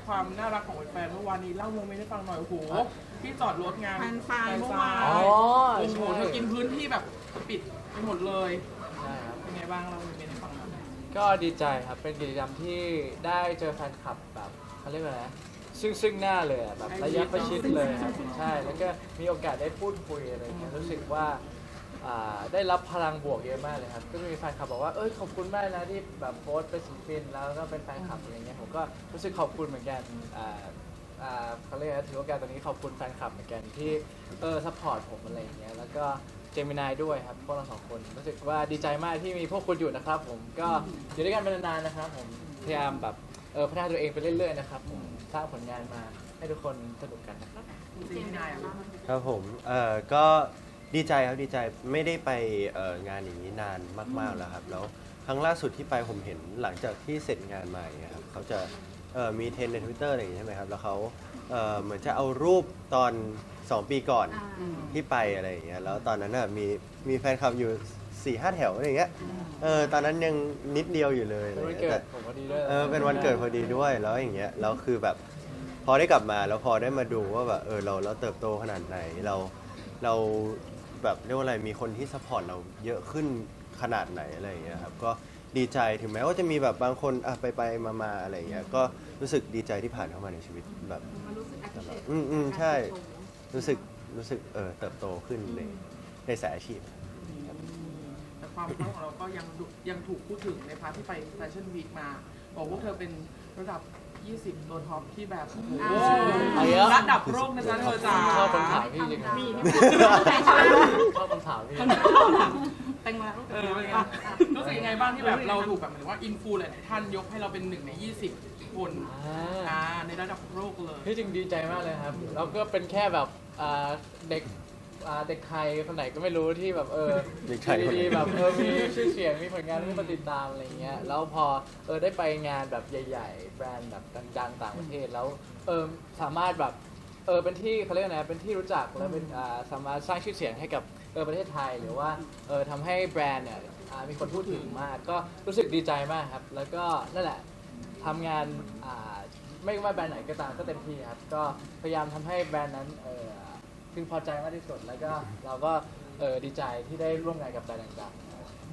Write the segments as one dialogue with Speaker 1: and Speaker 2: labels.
Speaker 1: ความน่ารักของแฟนเมื่อวานนี้เล่าโมเมนต์ให้ฟังหน่อยโอ้โหที่จอดรถงาน
Speaker 2: แฟนๆเมื่อวาน
Speaker 1: โอ้โหเธอกินพื้นที่แบบปิดไปหมดเลย
Speaker 3: ใช่ครับ
Speaker 1: เป็นไงบ้างเราโมเมนต์ให้ฟังหน่อย
Speaker 3: ก็ดีใจครับเป็นกิจกรรมที่ได้เจอแฟนคลับแบบเขาเรียกว่าอะไรนะซึ่งหน้าเลยอะแบบระยะประชิดเลยครับใช่แล้วก็มีโอกาสได้พูดคุยอะไรเงี้ยรู้สึกว่าได้รับพลังบวกเยอะมากเลยครับก็มีแฟนคลับบอกว่าขอบคุณมากนะที่แบบโพสต์เป็นศิลปินแล้วก็เป็นแฟนคลับอะไรเงี้ยผมก็รู้สึกขอบคุณเหมือนกันเขาเรียกว่าถือโอกาสตรงนี้ขอบคุณแฟนคลับเหมือนกันที่ซัพพอร์ตผมอะไรอย่างเงี้ยแล้วก็เจมินายด้วยครับพวกเราสองคนรู้สึกว่าดีใจมากที่มีพวกคุณอยู่นะครับผมก็อยู่ด้วยกันเป็นนานๆนะครับผมพยายามแบบพัฒนาตัวเองไปเรื่อยๆนะครับผมสร้างผลงานมาให้ทุกคนสนุกกันนะครับ
Speaker 1: จริงๆนายอะ
Speaker 4: ครับผมก็ดีใจครับดีใจไม่ได้ไปงานอย่างนี้นานมากๆแล้วครับแล้วครั้งล่าสุดที่ไปผมเห็นหลังจากที่เสร็จงานมาอย่างเงี้ยครับเขาจะมีเทรนด์ใน Twitter อะไรอย่างงี้ใช่ไหมครับแล้วเขาเหมือนจะเอารูปตอน 2 ปีก่อนที่ไปอะไรอย่างเงี้ยแล้วตอนนั้นน่ะมีแฟนคลับอยู่ 4-5 แถวอะไรอย่างเงี้ยตอนนั้นยังนิดเดียวอยู่เลย
Speaker 3: เป็นวันเกิดผมพอดีด้วย
Speaker 4: เป็นวันเกิดพอดีด้วยแล้วอย่างเงี้ยแล้วคือแบบพอได้กลับมาแล้วพอได้มาดูว่าแบบเราเติบโตขนาดไหนเราแบบเรียกว่าอะไรมีคนที่ซัพพอร์ตเราเยอะขึ้นขนาดไหนอะไรอย่างเงี้ยครับก็ดีใจถึงแม้ว่าจะมีแบบบางคนไปมาอะไรอย่างเงี้ยก็รู้สึกดีใจที่ผ่านเข้ามาในชีวิตแบบ
Speaker 2: มันรู้สึก appreciate
Speaker 4: ใช่รู้สึกเติบโตขึ้นในสายอาชีพ
Speaker 1: แต่ความพร้อมของเราก็ยังถูกพูดถึงในพาร์ทที่ไปแฟชั่นวีคมาบอกพวกเธอเป็นระดับ 20 ตัวท็อปที่แบบโอ้โหระดับโลกนะจ๊ะเธอจ๋า
Speaker 3: ชอบคำถามพี่จริงๆ
Speaker 2: มี
Speaker 3: ชอบคำถามพี่
Speaker 2: แตงมาลูก
Speaker 1: เป็นไงรู้สึกยังไงบ้างที่แบบเราถูกแบบเหมือนว่าอินฟูหลายๆท่านยกให้เราเป็น1 ใน 20 คนในระดับโลกเลย
Speaker 3: ที่จริงดีใจมากเลยครับเราก็เป็นแค่แบบเด็กเด็กไทยคนไหนก็ไม่รู้ที่แบบ
Speaker 4: เด็กไทยคนไหน
Speaker 3: ดีๆแบบมีชื่อเสียงมีผลงานที่มาติดตามอะไรเงี้ยแล้วพอได้ไปงานแบบใหญ่ๆแบรนด์แบบดังๆต่างประเทศแล้วสามารถแบบเป็นที่เขาเรียกนะเป็นที่รู้จักแล้วเป็นสามารถสร้างชื่อเสียงให้กับประเทศไทยหรือว่าทำให้แบรนด์เนี่ยมีคนพูดถึงมากก็รู้สึกดีใจมากครับแล้วก็นั่นแหละทำงานไม่ว่าแบรนด์ไหนก็ตามก็เต็มที่ครับก็พยายามทำให้แบรนด์นั้นพึงพอใจมากที่สุดแล้วก็เราก็ดีใจที่ได้ร่วมงานกับแบรนด์ต่างๆ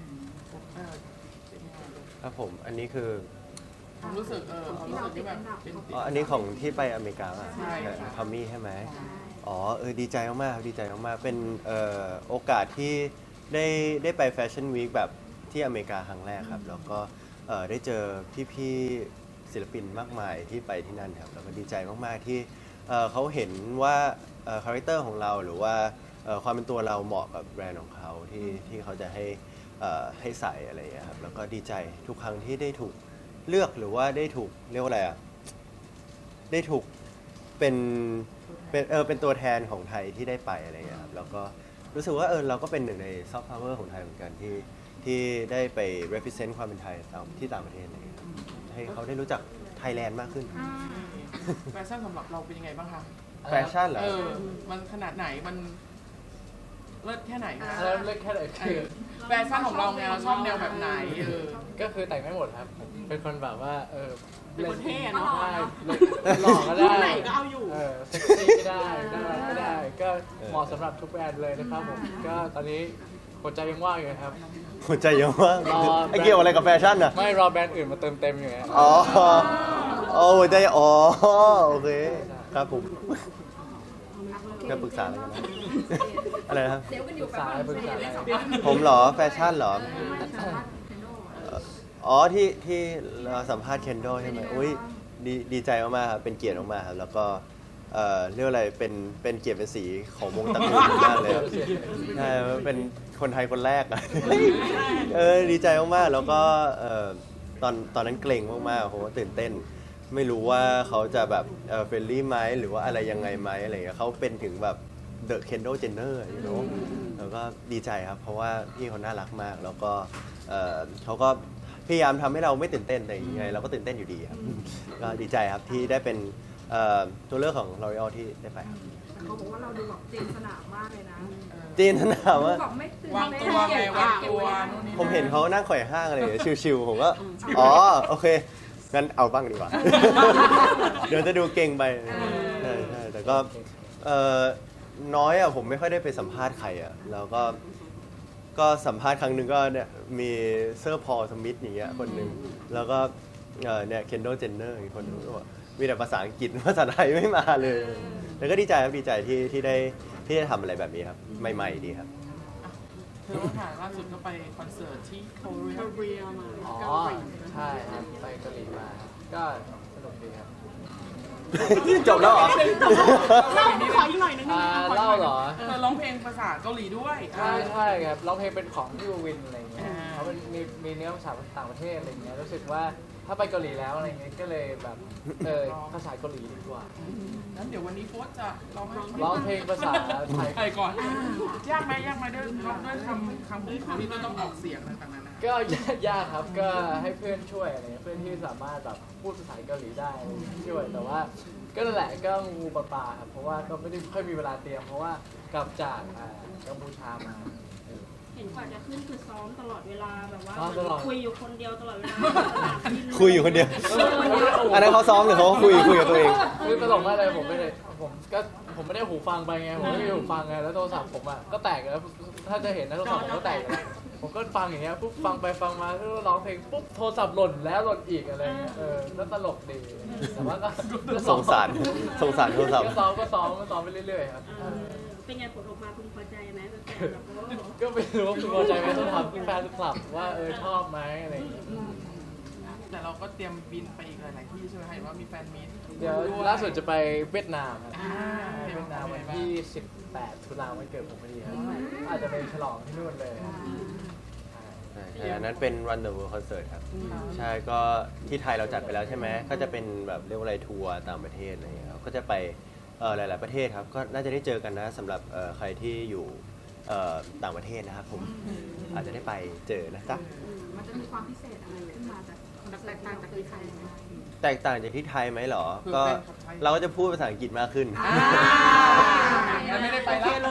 Speaker 4: ครับผมอันนี้คือ
Speaker 1: ความรู้สึกความรู้สึกที่แบบเป็น
Speaker 4: อันนี้ของที่ไปอเมริกา
Speaker 1: ใช่ค่ะ
Speaker 4: ทอมมี่ใช่ไหมดีใจมากๆครับดีใจมากๆเป็นโอกาสที่ได้ไปแฟชั่นวีคแบบที่อเมริกาครั้งแรกครับแล้วก็ได้เจอพี่ๆศิลปินมากมายที่ไปที่นั่นครับแล้วก็ดีใจมากๆที่เขาเห็นว่าคาแรคเตอร์ของเราหรือว่าความเป็นตัวเราเหมาะกับแบรนด์ของเขาที่เขาจะให้ใส่อะไรอย่างเงี้ยครับแล้วก็ดีใจทุกครั้งที่ได้ถูกเลือกหรือว่าได้ถูกเรียกว่าอะไรได้ถูกเป็นตัวแทนของไทยที่ได้ไปอะไรอย่างเงี้ยครับแล้วก็รู้สึกว่าเราก็เป็นหนึ่งในซอฟต์พาวเวอร์ของไทยเหมือนกันที่ได้ไป represent ความเป็นไทยที่ต่างประเทศอะไรอย่างเงี้ยครับให้เขาได้รู้จักไทยแลนด์มากขึ้น
Speaker 1: แฟชั่นสำหรับเราเป็นยังไงบ้างคะ
Speaker 4: แฟชั่นเหรอ
Speaker 1: มันขนาดไหนมันเลิศแค่ไหนคะ
Speaker 3: แล้วเลือกแค่ไหนคือ
Speaker 1: แฟชั่นของเราไงเราชอบแนวแบบไหน
Speaker 3: ก็คือแต่งไม่หมดครับผมเป็นคนแบบว่า
Speaker 2: เป็นคนเท่เนาะ
Speaker 3: ได้หล่อก็ได้
Speaker 2: ไหนก็เอาอยู่
Speaker 3: เซ็กซี่ก็ได้น่ารักก็ได้ ก็เหมาะสำหรับทุกแบรนด์เลยนะครับผมก็ตอนนี้หัวใจยังว่างอยู่ครับ
Speaker 4: หัวใจเยอะมาก
Speaker 3: รอ
Speaker 4: ไอเกี่ยวอะไรกับแฟชั่นอ่ะ
Speaker 3: ไม่รอแบรนด์อื่นมาเติมเต็มอยู่ไง
Speaker 4: หัวใจโอเคครับผมจะปรึกษาอะไรกันนะอะไรนะครับ
Speaker 2: เซลล์กันอยู่
Speaker 3: ปรึกษาอะไร
Speaker 4: ผมเหรอแฟชั่นเหรอที่เราสัมภาษณ์เคนโดใช่ไหมอุ้ยดีใจมากๆครับเป็นเกียรติมากๆครับแล้วก็เรียกว่าอะไรเป็นเกียรติเป็นสีของวงตระกูลมากเลยครับใช่เป็นคนไทยคนแรกอะดีใจมากๆแล้วก็ตอนนั้นเกรงมากๆเพราะว่าตื่นเต้นไม่รู้ว่าเขาจะแบบเฟรนลี่ไหมหรือว่าอะไรยังไงไหมอะไรอย่างเงี้ยเขาเป็นถึงแบบเดอะเคนโดเจนเนอร์you know แล้วก็ดีใจครับเพราะว่าพี่เขาน่ารักมากแล้วก็เขาก็พยายามทำให้เราไม่ตื่นเต้นแต่ยังไงเราก็ตื่นเต้นอยู่ดีครับก็ดีใจครับที่ได้เป็นตัวเลือกของ L'Oreal ที่ได้ไปครับ
Speaker 2: เขาบอกว่าเราดูแบบจีนสนามมากเลยนะ
Speaker 4: จีนสนามว่า
Speaker 2: แบบไม่ตื่น
Speaker 1: วางตัวไงวางตัวนู่นนี่
Speaker 4: ผมเห็นเขานั่งข่อยห้างอะไรอย่างเงี้ยชิวๆผมก็โอเคงั้นเอาบ้างดีกว่า เเดี๋ยวจะดูเก่งไปใช่ใช่แต่ก็เอ่อน้อยอ่ะผมไม่ค่อยได้ไปสัมภาษณ์ใครอ่ะแล้วก็สัมภาษณ์ครั้งหนึ่งก็เนี่ยมีเซอร์พอลสมิธอย่างเงี้ยคนหนึ่งแล้วก็เนี่ยเคนโดเจนเนอร์อีกคนนึงก็บอกมีแต่ภาษาอังกฤษภาษาไทยไม่มาเลยแต่ก็ดีใจครับดีใจที่ได้ทำอะไรแบบนี้ครับใหม่ๆดีครับ
Speaker 1: เธอค่ะล่าสุดก็ไปคอนเสิร์ตที่เกาหลี
Speaker 2: เกาหลีมา
Speaker 3: อ๋อใช่ครับไปเกาหลีมาครับก็สนุกดีครับ
Speaker 4: จบแล้วเหรอ
Speaker 2: เล่าขออีกหน่อยนึง
Speaker 3: เล่าเหรอ
Speaker 1: เธอร้องเพลงภาษาเกาหลีด้วย
Speaker 3: ใช่ครับร้องเพลงเป็นของพี่วินอะไรเงี้ย
Speaker 1: อ่า
Speaker 3: เขาเป็นมีเนื้อภาษาต่างประเทศอะไรเงี้ยรู้สึกว่าถ้าไปเกาหลีแล้วอะไรเงี้ยก็เลยแบบภาษาเกาหลีดีกว่า
Speaker 1: งั้นเดี๋ยววันนี้โฟสจะร้องให้
Speaker 3: ร้องเพลงภาษาไทย
Speaker 1: ไทยก่อนยากไหมด้วยร้องด้วยคำพูดของที่ต้องออกเสียงต่างๆนานา
Speaker 3: ก็ยากครับก็ให้เพื่อนช่วยอะไรเงี้ยเพื่อนที่สามารถแบบพูดภาษาเกาหลีได้ช่วยแต่ว่าก็นั่นแหละก็งูปลาครับเพราะว่าก็ไม่ได้ค่อยมีเวลาเตรียมเพราะว่ากลับจากกัมพูชามา
Speaker 2: เห็นกว่าจะขึ้นคือซ้อมตลอดเวลาแบบว่า
Speaker 3: ซ้อมตลอด
Speaker 2: คุยอยู่คนเดียวตลอดเวลา
Speaker 4: คุยอยู่คนเดียว อันนั้นเขาซ้อมหรือเขาคุยกับตัวเอง
Speaker 3: คือตลกมากเลยผมไม่ได้หูฟังไปไงผมไม่ได้หูฟังไงแล้วโทรศัพท์ผมอ่ะก็แตกแล้วถ้าจะเห็นนะโทรศัพท์ผมก็แตกแล้วผมก็ฟังอย่างเงี้ยปุ๊บฟังไปฟังมาก็ร้องเพลงปุ๊บโทรศัพท์หล่นแล้วหล่นอีกอะไรเงี้ยแล้วตลกดีแต่ว่าก็
Speaker 4: สงสารโทรศัพท์
Speaker 3: ก็ซ้อมไปเรื่อยๆครับ
Speaker 2: เป็นไงผลออกมาพึงพอใจไหมแฟนแบบว่า
Speaker 3: ก็ไม่รู้ว่าคุณพอใจไหมต้องถามแฟนคลับว่าชอบไหมอะไรอย่างเงี้ย
Speaker 1: แต่เราก็เตรียมบินไปอีกหลายๆที่ใช่ไหมเห็นว่ามีแฟนมีต
Speaker 3: เดี๋ยวล่าสุดจะไปเวียดนามครับ
Speaker 1: อ่า
Speaker 3: เวียดนามวันที่ 18 ตุลาวันเกิดผมพอดีครับอาจจะไปฉลองที่นู่นเลย
Speaker 4: ใช่อันนั้นเป็น Run the World Concert ครับ ใช่ก็ที่ไทยเราจัดไปแล้วใช่ไหมก็จะเป็นแบบเรียกว่าอะไรทัวร์ต่างประเทศอะไรอย่างเงี้ยครับก็จะไปหลาย ๆประเทศครับก็น่าจะได้เจอกันนะสำหรับใครที่อยู่ต่างประเทศนะครับผมอาจจะได้ไปเจอนะจ๊ะ
Speaker 2: มันจะมีความพิเศษอะไรขึ้นมาจากแตกต่างจากที่ไทยไหม
Speaker 4: แตกต่างจากที่ไทยไหมเหรอก็เราก็จะพูดภาษาอังกฤษมากขึ้น
Speaker 1: แล้วไม่ได้ไปแล้ว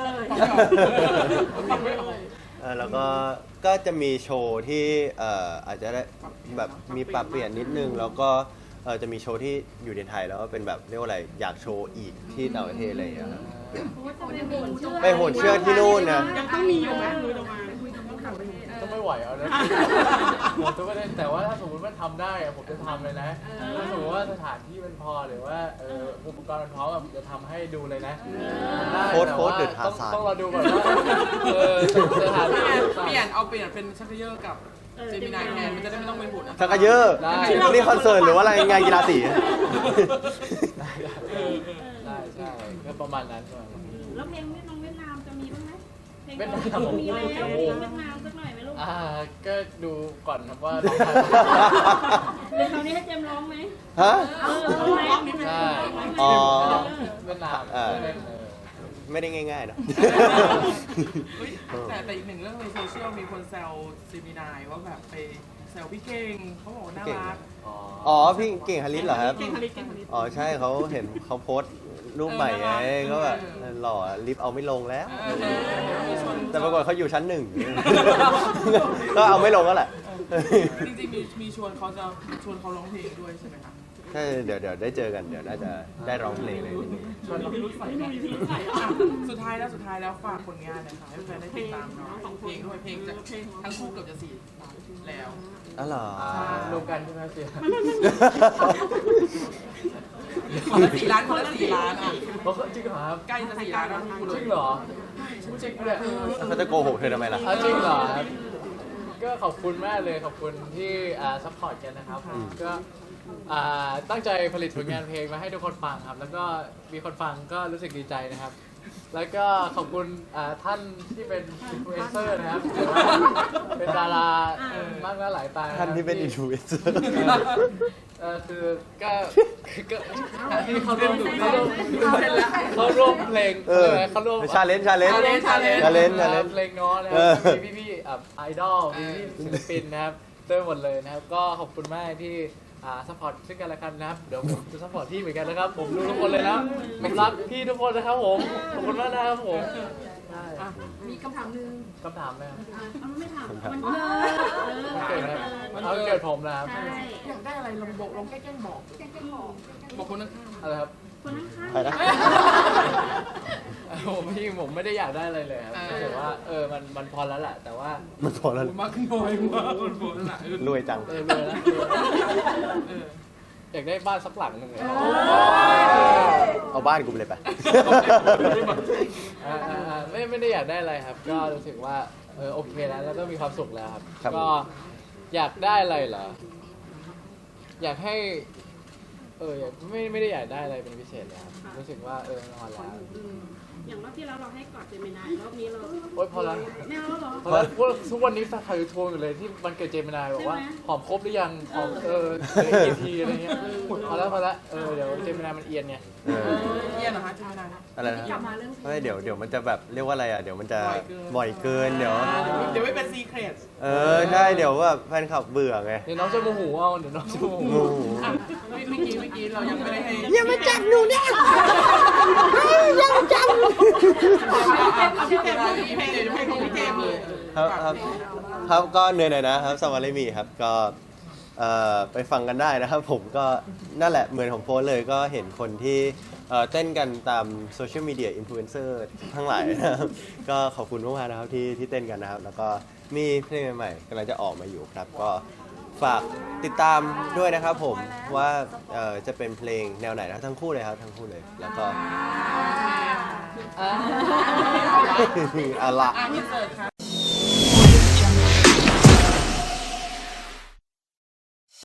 Speaker 4: แล้วก็จะมีโชว์ที่อาจจะได้แบบมีปรับเปลี่ยนนิดนึง แล้วก็จะมีโชว์ที่อยู่ในไทยแล้วก็เป็นแบบเรียกว่าอะไรอยากโชว์อีกที่ต่างประเทศอะไรอย่างเงี้ยครับ ไปโหนเชือกที่นู่นนะ
Speaker 2: ยังต้องมีอยู่ไหมคุยออกมาคุยต้องต่างประเทศ
Speaker 3: ก็ไม่ไหวเอานะผมทุกประเด็นแต่ว่าถ้าสมมติมันทำได้อะผมจะทำเลยนะถ้าสมมติว่าสถานที่มันพอหรือว่าอุปกรณ์มันพร้อมอะผมจะทำให้ดูเลยนะได้
Speaker 4: โค้ด
Speaker 3: แต่
Speaker 4: โค้ด
Speaker 3: ว่า
Speaker 4: เดือดทาซาน
Speaker 3: ต้องรอดูก่อนว่าสถานที่
Speaker 1: เปลี่ยนเป็นชักเขยอกับเจมินายแทนมันจะได้ไม่ต้องเป็นหุ่น
Speaker 4: ชักกะเยอะนี่คอนเสิร์ตหรือว่าอะไรงานกีฬาสี
Speaker 3: ได้ใช่ก็ประมาณนั้นประมาณนั้น
Speaker 2: แล้วเพลงเวียดนามจะมีบ้างไหมเพลง
Speaker 3: เวียดนาม
Speaker 2: มีแล้วเพลงเวียดนามสักหน่อยไหมลูก
Speaker 3: ก็ดูก่อนครับว่า
Speaker 2: เดี๋ยวคราวนี้ให้เจมร้องไหม
Speaker 4: ฮะ
Speaker 2: ร้องนิดนึง
Speaker 3: ใช่
Speaker 4: อ๋อ
Speaker 3: เวียดนาม
Speaker 4: ไม่ได้ง่ายๆเนอะ
Speaker 1: แต่อีกหนึ่งเรื่องในโซเชียลมีคนแซวเจมินายว่าแบบไปแซวพี่เก่งเขาบอกว่าน่ารัก
Speaker 4: อ๋อพี่เก่งฮาริสเหรอครับ
Speaker 2: เก่งผลิตเก่งผลิต
Speaker 4: อ๋อใช่เขาเห็นเขาโพสต์รูปใหม่ไงก็แบบหล่อลิฟต์เอาไม่ลงแล้ว แต่ปรากฏเขาอยู่ชั้นหนึ่ง ก็เอาไม่ลงแล้วแหละ
Speaker 1: จริงๆมีชวนเขาจะชวนเขาร้องเพลงด้วยใช่ไหมคะ
Speaker 4: ใช่เดี๋ยวได้เจอกันเดี๋ยวน่าจะได้ร้องเพลงเลย
Speaker 1: ชวนเรารุ่นใส่กันสุดท้ายแล้วฝากผลงานหนะคะให้แฟนได้ติดตามเนาะเพลงด้วยเพลงจะทั้งคู่เกือบจะ4 ล้านแล้ว
Speaker 4: อ๋อเหรอ
Speaker 3: รวมกันใช่ไหมเสีย
Speaker 1: คนละ4 ล้านคนละ4 ล้านอ่ะ
Speaker 3: จริงเหรอครับ
Speaker 1: ใกล้จะ4 ล้านแล้วคุณ
Speaker 3: จริงเหรอจริงเลย
Speaker 4: เขาจะโกหกเธอทำไมล่ะ
Speaker 3: จริงเหรอครับก็ขอบคุณมากเลยขอบคุณที่ซัพพอร์ตกันนะครับก็ตั้งใจผลิตผลงานเพลงมาให้ทุกคนฟังครับ แล้วก็มีคนฟังก็รู้สึกดีใจนะครับ แล้วก็ขอบคุณท่านที่เป็นอินฟลูเอนเซอร์นะครับหรือว่าเป็นดารามากหน้าหลายตา
Speaker 4: ท่านที่เป็นอินฟลูเอนเซอร์
Speaker 3: คือก็ที่เขาร่วมเพลงเขาร่วม
Speaker 4: ชาเลนจ์
Speaker 3: เพลงน้อนะครับมีพี่ไอดอลมีพี่ศิลปินนะครับเติมหมดเลยนะครับก็ขอบคุณมากที่ซัพพอร์ตซึ่งกันและกันนะครับเดี๋ยวผมจะซัพพอร์ตพี่เหมือนกันนะครับผมรู้ทุกคนเลยนะผมรักพี่ทุกคนนะครับผมขอบคุณมากนะครับผม
Speaker 2: มีคำถามนึง
Speaker 3: คำถามนะ
Speaker 2: เอาไม่ถามมัน
Speaker 3: มันเกิดนะครับเอาเกิดผมนะครับ
Speaker 2: ใช่
Speaker 1: อยากได้อะไรลองบอกลองแกล้งบอก
Speaker 2: แกล้งบอก
Speaker 1: บอกคนข้าง
Speaker 3: อะไรครับ
Speaker 2: คนข้าง
Speaker 4: ไปนะ
Speaker 3: ผมไม่ได้อยากได้อะไรเลยครับรู้สึกว่ามันพอแล้วแหละแต่ว่า
Speaker 4: มันพอ
Speaker 1: ๆ
Speaker 4: แล้ว
Speaker 1: มากขึ้นน้อยมากคนโบนั่นแหละ
Speaker 4: รวยจัง
Speaker 3: รวยแล้วอยากได้บ้านสักหลังหนึ่งเลย
Speaker 4: เอาบ้านกูไปเลยไป
Speaker 3: ไม่ได้อยากได้อะไรครับ ก็รู้สึกว่าโอเคแล้วก็มีความสุขแล้วครับ
Speaker 4: ครับ
Speaker 3: ก็อยากได้อะไรเหรออยากให้ไม่ได้อยากได้อะไรเป็นพิเศษเลยครับรู้สึกว่านอนแล้ว
Speaker 2: อย่างรอบที่แล้วเราให้กอดเจมินายรอบนี้เรา
Speaker 3: โอ๊ยพอแล้ว
Speaker 2: ไม่เอาแล้วเหรอ
Speaker 3: พอแล้วพวกทุกวันนี้แฟนคลับยูทูบอยู่เลยที่มันเกิดเจมินายบอกว่า
Speaker 2: ใช่ไหม
Speaker 3: หอมครบหรือยังหอมเหลือกี่ทีอะไรเงี้ยพอแล้วเดี๋ยวเจมินายมันเอียนไง
Speaker 4: เออ
Speaker 1: เยี่ยนเหรอฮะใช่ไหมนะ
Speaker 4: อะไรนะ
Speaker 2: กลับมาเรื่องเพลง
Speaker 4: ไม่เดี๋ยวมันจะแบบเรียกว่าอะไรอ่ะ เดี๋ยวมันจะ
Speaker 1: บ่
Speaker 4: บ่
Speaker 1: อ
Speaker 4: อย ย
Speaker 1: เกิ
Speaker 4: เกิ
Speaker 1: น
Speaker 4: น เดี๋ยว
Speaker 1: เดี๋ยวไม่เป็นซีเครต
Speaker 4: ใช่ เดี๋ยวแบบแฟนคลับเบื่อไง
Speaker 3: เดี๋ยวน้องจะโมโหเอาเดี๋ยวน้องจะโมโห
Speaker 4: งู
Speaker 1: อ่ะเมื่อกี้เรายังไม่ได้ให้
Speaker 4: อย่ามาจับหนูเนี่ยอย่ามาจับ
Speaker 1: เอาพี่เจมส์เลยให้ของพี่เจมส์เลย
Speaker 4: ครับก็เหนื่อยหน่อยนะครับสวัสดีมีครับก็ไปฟังกันได้นะครับ ผมก็นั่นแหละเหมือนของโพสเลยก็เห็นคนที่เต้นกันตามโซเชียลมีเดียอินฟลูเอนเซอร์ทั้งหลายนะครับก็ขอบคุณมากๆนะครับที่เต้นกันนะครับ แล้วก็มีเพลงใหม่ๆกำลังจะออกมาอยู่ครับ ก็ฝากติดตามด้วยนะครับผมว่าจะเป็นเพลงแนวไหนนะครับทั้งคู่เลยครับทั้งคู่เลยแล้วก็
Speaker 3: อ่ะ
Speaker 4: เอาละ
Speaker 1: อินเสิร์ตค่ะ